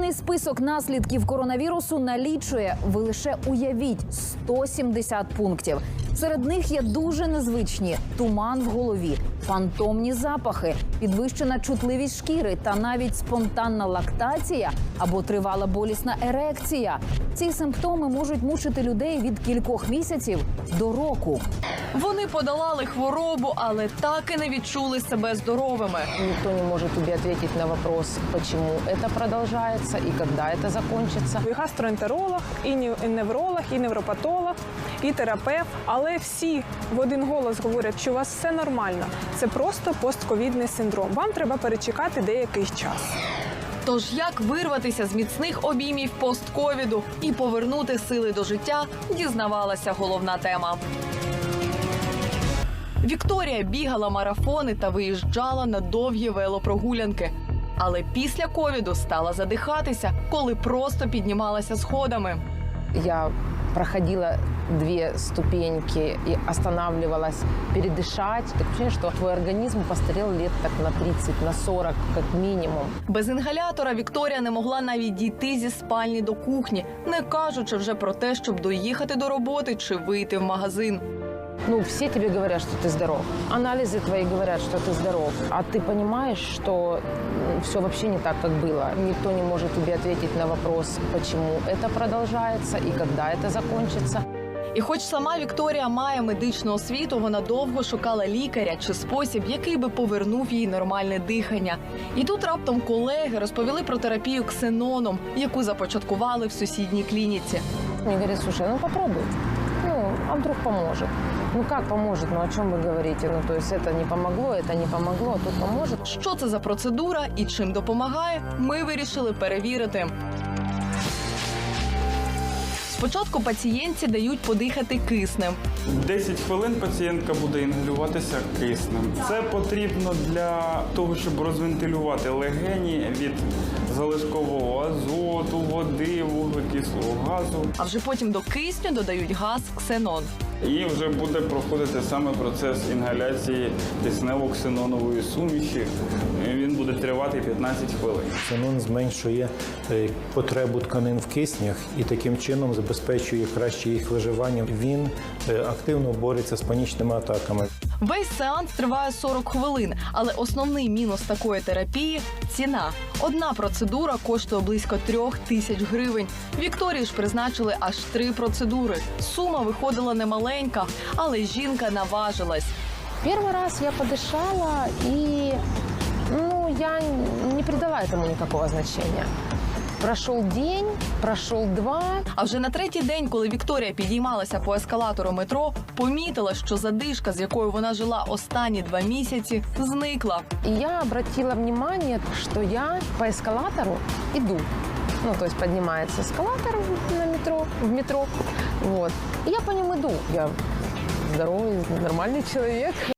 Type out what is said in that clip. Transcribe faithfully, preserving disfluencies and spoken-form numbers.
Повний список наслідків коронавірусу налічує, ви лише уявіть, сто сімдесят пунктів. Серед них є дуже незвичні – туман в голові, фантомні запахи, підвищена чутливість шкіри та навіть спонтанна лактація або тривала болісна ерекція. Ці симптоми можуть мучити людей від кількох місяців до року. Вони подолали хворобу, але так і не відчули себе здоровими. Никто не может тебе ответить на вопрос, почему это продолжается и когда это закончится. І гастроентеролог, і нев- і невролог, і невропатолог, і терапевт. Але всі в один голос говорять, що у вас все нормально. Це просто постковідний синдром. Вам треба перечекати деякий час. Тож як вирватися з міцних обіймів постковіду і повернути сили до життя, дізнавалася головна тема. Вікторія бігала марафони та виїжджала на довгі велопрогулянки. Але після ковіду стала задихатися, коли просто піднімалася сходами. Я проходила две ступеньки и останавливалась передышать. Так ощущение, что твой организм постарел лет так на тридцать, на сорок как минимум. Без інгалятора Вікторія не могла навіть дійти зі спальні до кухні, не кажучи вже про те, щоб доїхати до роботи чи вийти в магазин. Ну, все тебе говорят, что ты здоров. Анализы твои говорят, что ты здоров. А ты понимаешь, что все вообще не так, как было. Никто не может тебе ответить на вопрос, почему это продолжается и когда это закончится. І хоч сама Вікторія має медичну освіту, вона довго шукала лікаря чи спосіб, який би повернув їй нормальне дихання. І тут раптом колеги розповіли про терапію ксеноном, яку започаткували в сусідній клініці. Мне говорят, слушай, ну попробуй. Ну, а вдруг поможет? Ну как поможет? Ну о чем вы говорите? Ну то есть это не помогло, это не помогло, а тут поможет. Що це за процедура і чим допомагає, ми вирішили перевірити. Спочатку пацієнтці дають подихати киснем. десять хвилин пацієнтка буде інгалюватися киснем. Це потрібно для того, щоб розвентилювати легені від залишкового азоту, води, вуглекислого газу. А вже потім до кисню додають газ ксенон. І вже буде проходити саме процес інгаляції киснево-ксенонової суміші. Він буде тривати п'ятнадцять хвилин. Ксенон зменшує е, потребу тканин в киснях і таким чином забезпечує краще їх виживання. Він е, активно бореться з панічними атаками. Весь сеанс триває сорок хвилин, але основний мінус такої терапії – ціна. Одна процедура коштує близько трьох тисяч гривень. Вікторії ж призначили аж три процедури. Сума виходила немаленька, але жінка наважилась. Первый раз я подышала, и ну, я не придала этому никакого значения. Прошел день, прошел два. А вже на третій день, коли Вікторія підіймалася по ескалатору метро, помітила, що задишка, з якою вона жила останні два місяці, зникла. И я обратила внимание, что я по эскалатору иду. Ну, то есть поднимается эскалатор на метро, в метро. Вот. И я по нему иду. Я здоровый, нормальный человек.